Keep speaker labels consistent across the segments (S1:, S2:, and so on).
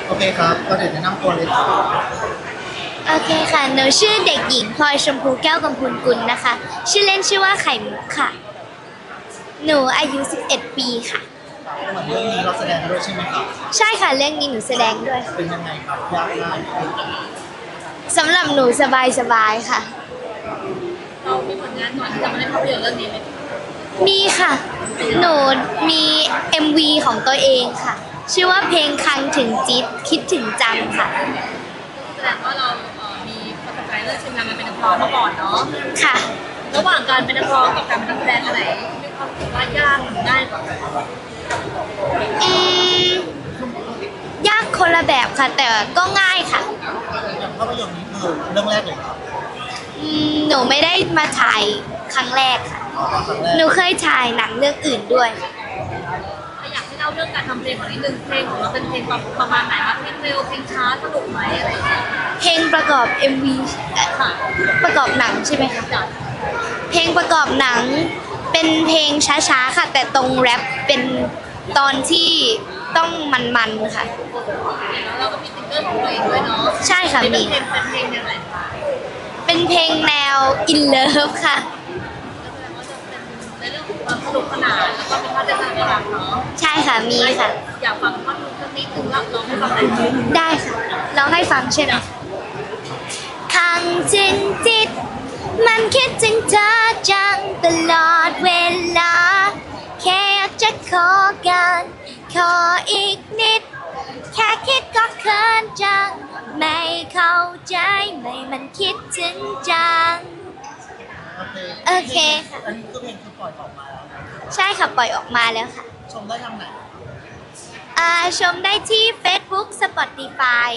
S1: โอเคครับก็เดี๋ยวแนะนำตัวเลยครับ
S2: โอเคค่ะ หนูชื่อเด็กหญิงพลอยชมพูแก้วกำพูนกุลนะคะ ชื่อเล่นชื่อว่าไข่มุกค่ะ หนูอายุ 11 ปีค่ะ
S1: เหมือนเรื่องนี้เราแสดงด้วยใช่ไหมครับ
S2: ใช่ค่ะ เรื่องนี้หนูแสดงด้วย
S1: เป็นยังไงครับยากง่าย
S2: สำหรับหนูสบายๆค่ะ
S3: เรามีผลงานก่อนที่จะมาเล่นภาพยนตร์เรื่องนี้ไหม
S2: มีค่ะ หนูมี MV ของตัวเองค่ะ ชื่อว่าเพลงคังถึงจิตคิดถึงจังค่ะ
S3: แสดงว่าเรามีประสบการณ์เรื่องชิมงานมาเป็นนักร้องมาก่อนเนาะ
S2: ค่ะ
S3: ระหว่างการเป็นนักร้องกับการเป็นนักแสดงอะไรมีความรู้สึกว่ายากหรือง่ายกว่ากัน
S2: อืมยากคนละแบบค่ะ แต่ก็ง่ายค่ะ
S1: อย่างภาพยนตร์นี้คือเรื่องแรกเลยครับ
S2: หนูไม่ได้มาถ่ายครั้งแรกค่ะ
S1: ครั้งแรก
S2: หนูเคยถ่ายหนังเรื่องอื่นด้วย
S3: อยากให้เล่าเรื่องการทำเพลงของนิดนึงเพลงของเราเป็นเพลงประมาณไหนคะเพลงเร็วเพลงช้าสนุกไหมอะไรอย่างเงี้ย
S2: เพลงประกอบ MV
S3: ค่ะ
S2: ประกอบหนังใช่ไหมคะ
S3: จัด
S2: เพลงประกอบหนังเป็นเพลงช้าๆค่ะ แต่ตรงแรปเป็นตอนที่ต้องมันๆค่ะ
S3: แล้วเราก็มีซิงเกิลของตัวเองด้วยเนาะ
S2: ใช่ค่ะ
S3: เป็น
S2: มี
S3: เพลงแนวไหนคะ
S2: เป็นเพลงแนว in love ค่ะ
S3: ก็แสดงว่าจะเป็นในเรื่องของความสนุกสนานแล้วก็เป็นภาพเต้นน่ารักเนาะ
S2: ใช่ค่ะ มีค่ะ
S3: อยากฟังท่อนฮุกสักนิดนึงรับร้องให้ฟังหน่อยไหม
S2: ได้ค่ะร้องให้ฟังใช่ไหมคังจึงจิต มันคิดถึงเธอจังตลอดเวลา แค่อยากจะขอกันขออีกนิด แค่คิดก็เขินจัง ไม่เข้าใจไม่มันคิดถึงจัง โอเคค่ะ
S1: อันนี้คือเพลงคือปล่อยออกมาแล้ว
S2: ใช่ค่ะ ปล่อยออกมาแล้วค่ะ
S1: ชมได้ทางไหน
S2: ชมได้ที่ Facebook Spotify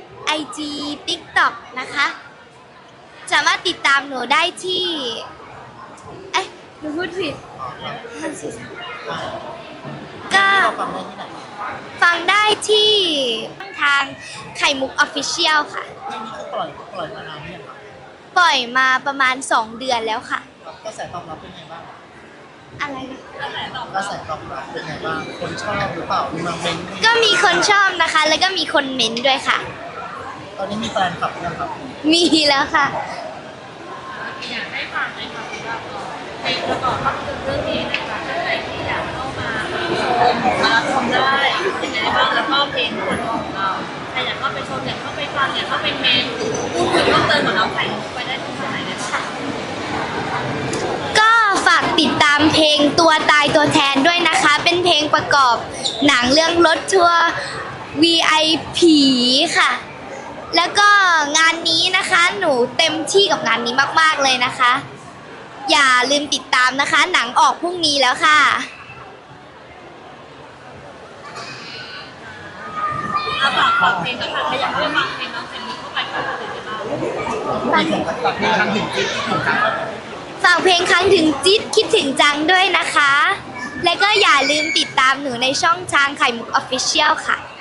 S2: IG TikTok นะคะ สามารถติดตามหนูได้ที่ เอ๊ะหนูพูดผิด ก็
S1: เราฟังได้ที่ไหน
S2: ฟังได้ที่ทางไข่มุก Official ค่ะ
S1: เพลงนี้คือปล่อยมานานเนี่ยงครับ
S2: ปล่อยมาประมาณ 2 เดือนแล้วค่ะ
S1: กระแสตอบรับเป็นไงบ้าง
S2: อะไรนะ
S1: กระแสตอบรับเป็นไงบ้างคนชอบหรือเปล่ามีมาเม้นต์
S2: ก็มีคนชอบนะคะ แล้วก็มีคนเม้นต์ด้วยค่ะ
S1: ตอนนี้มีแฟนคลับยังครับ
S2: มีแล้วค่ะ
S3: อยากให้ฟังไหมคะว่าเพลงประกอบภาพยนตร์เรื่องนี้นะคะถ้าใครที่อยากเข้ามาชมได้ยังไงบ้างแล้วก็เพลงส่วนตัวของเราใครอยากเข้าไปชมอยากเข้าไปฟังอยากเข้าไปเมนพูดคุยเพิ่มเติมกับน้องไข่มุกไปได้ที่ไหนเลยค่ะ
S2: ก็ฝากติดตามเพลงตัวตายตัวแทนด้วยนะคะ เป็นเพลงประกอบหนังเรื่องรถทัวร์ VIP ค่ะ แล้วก็งานนี้นะคะ หนูเต็มที่กับงานนี้มากๆเลยนะคะ อย่าลืมติดตามนะคะ หนังออกพรุ่งนี้แล้วค่ะ
S3: ฝากเพลงก็ค่ะใครอยากให้ฟังเพลงน้องไข่มุกเข้าไปก็ติดได้บ้าง
S1: มีถึงตัดเพลงทางถึงที่ถูกกัน
S2: ฝากเพลงครั้งถึงจิ๊ดคิดถึงจังด้วยนะคะ และก็อย่าลืมติดตามหนูในช่องทางไข่มุก Official ค่ะ